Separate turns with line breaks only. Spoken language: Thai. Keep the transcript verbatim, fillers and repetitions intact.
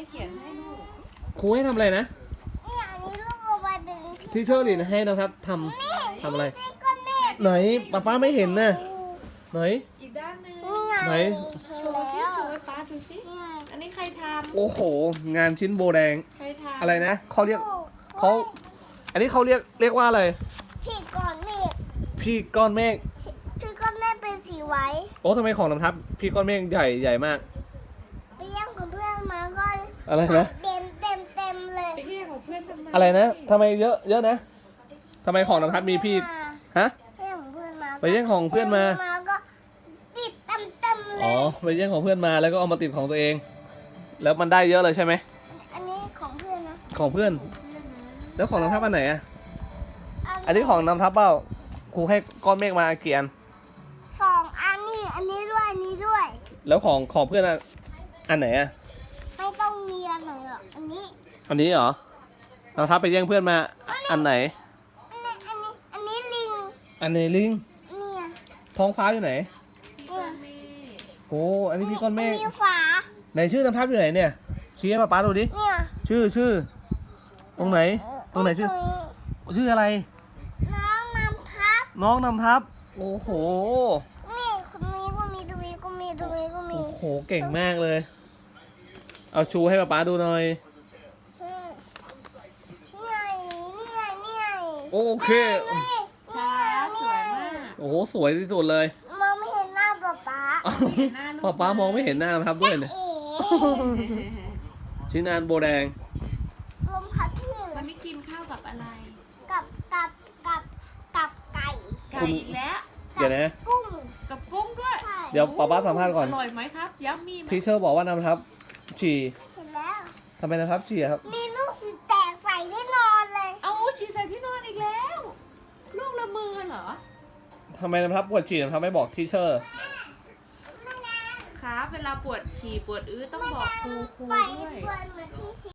เขียนให้ลูก
ครูให้ทำอะไรนะ
นี่อันนี้ลูกเอาไว้เป็น
ที่เชอร์ลินให้นะครับทำทำอะไรไหนป้าป้าไม่เห็นนะไหน
อีกด้านหนึ่ง
ไหน
โชว์ซิโชว์ให้ป้าดูสิอันนี้ใครทำ
โอ้โหงานชิ้นโบแดง
ใครทำ
อะไรนะเขาเรียกเขาอันนี้เขาเรียกเรียกว่าอะไร
พี่ก้อนเมฆ
พี่ก้อนเมฆ
ชื่อก้อนเมฆเป็นสีไว้
โอ้ทำไมของนำทับพี่ก้อนเมฆใหญ่ใหญ่มาก
ไปแย่งของเพื่อนมาก็
อะไรนะ
เต็มเต็มเต็มเลย
ไปแย่งของเพื่อนทำไม
อะไรนะทำไมเยอะเยอะนะทำไมของนำทับมีพี่ฮะไปแย่งของเพื่อนมา
ก็ติดเต็มเต็มเลย
อ๋อไปแย่งของเพื่อนมาแล้วก็เอามาติดของตัวเองแล้วมันได้เยอะเลยใช่ไหม
อันนี้ของเพื่อนนะ
ของเพื่อนแล้วของนำทับอันไหนอ่ะอันนี้ของนำทับเปล่าครูให้ก้อนเมฆมาเกียน
สองอันนี้อันนี้ด้วยอันนี้ด้วย
แล้วของของเพื่อนอันไหนอ่ะ
ไม่ต้องมีอันไหนหรอกอันนี้
อันนี้เหรอนำทับไปแย่งเพื่อนมาอันไหน
อันนี้อันนี้อันนี้ลิง
อันไหนลิง
เนี่ย
ท้องฟ้าอยู่ไหน
เนี่ย
โอ้อันนี้พี่ก้อนเมฆ
มีฝา
ไหนชื่อนำทับอยู่ไหนเนี่ยชี้ให้ป๊าป๊าดูดิ
เนี่ย
ชื่อชื่อตรงไหนตรงไหนชื่อชื่ออะไร
น้องนำทับ
น้องนำทับโอ้โห
นี่คนนี้ก็มีตรงนี้ก็มีตรงนี้ก็มี
โอ้โหเก่งมากเลยเอาชูให้ป๊าป๊าดูหน่อย
เนี่ยเนี่ยเนี่ย
โอเค
ครับสวยมาก
โอ้โหสวยที่สุดเลย
มองไม่เห็นหน้าป๊าป๊า
ป๊าป๊ามองไม่เห็นหน้านำทับด้วยเนี่ยชิ้นงานโบแดง
ลมพัดพี่
วันนี้กินข้าวกับอะไร
กับกับกับกับไก่
ไก่อีกแล้ว
เดี๋ยวนะ
กุ้ง
กับกุ้งด้วย
เดี๋ยวป๊าป๊าสัมภาษณ์ก่อน
อร่อยไหมครับยัมมี่
ทีเชอร์บอกว่านำทับฉี่
เสร็จแล้ว
ทำไมนำทับฉี่ครับ
มีลูกสีแตกใส่ที่นอนเลย
เอาฉี่ใส่ที่นอนอีกแล้วลูกละเมอเหรอ
ทำไมนำทับปวดฉี่นำทับไม่บอกทีเชอร์
ครับเวลาปวดฉี่ปวดอื้อต้องบอกครูครูด้วย